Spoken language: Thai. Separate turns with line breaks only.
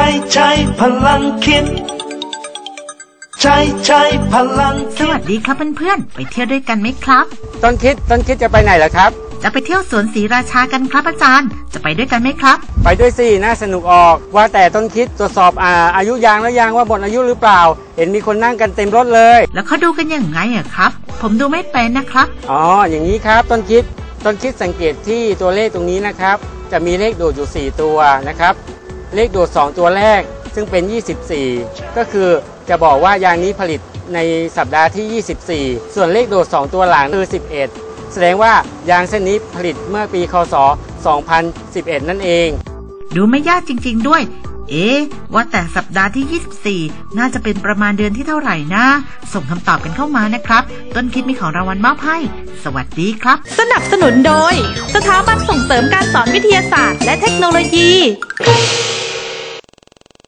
ใช้พลังคิดใช้พลัง
สวัสดีครับเพื่อนๆไปเที่ยวด้วยกันไหมครับ
ต้นคิดจะไปไหนล่ะครับ
จะไปเที่ยวสวนศรีราชากันครับอาจารย์จะไปด้วยกันไหมครับ
ไปด้วยสิน่าสนุกออกว่าแต่ต้นคิดตรวจสอบอายุยางแล้วยังว่าหมดอายุหรือเปล่าเห็นมีคนนั่งกันเต็มรถเลย
แล้วเขาดูกันยังไงอะครับผมดูไม่เป็นนะครับ
อ๋ออย่างนี้ครับต้นคิดสังเกตที่ตัวเลขตรงนี้นะครับจะมีเลขโดดอยู่4ตัวนะครับเลขโดด2ตัวแรกซึ่งเป็น24ก็คือจะบอกว่ายางนี้ผลิตในสัปดาห์ที่24ส่วนเลขโดด2ตัวหลังคือ11แสดงว่ายางเส้นนี้ผลิตเมื่อปีคศ2011นั่นเอง
ดูไม่ยากจริงๆด้วยว่าแต่สัปดาห์ที่24น่าจะเป็นประมาณเดือนที่เท่าไหร่นะส่งคำตอบกันเข้ามานะครับต้นคิดมีของรางวัลมอบให้สวัสดีครับ
สนับสนุนโดยสถาบันส่งเสริมการสอนวิทยาศาสตร์และเทคโนโลยี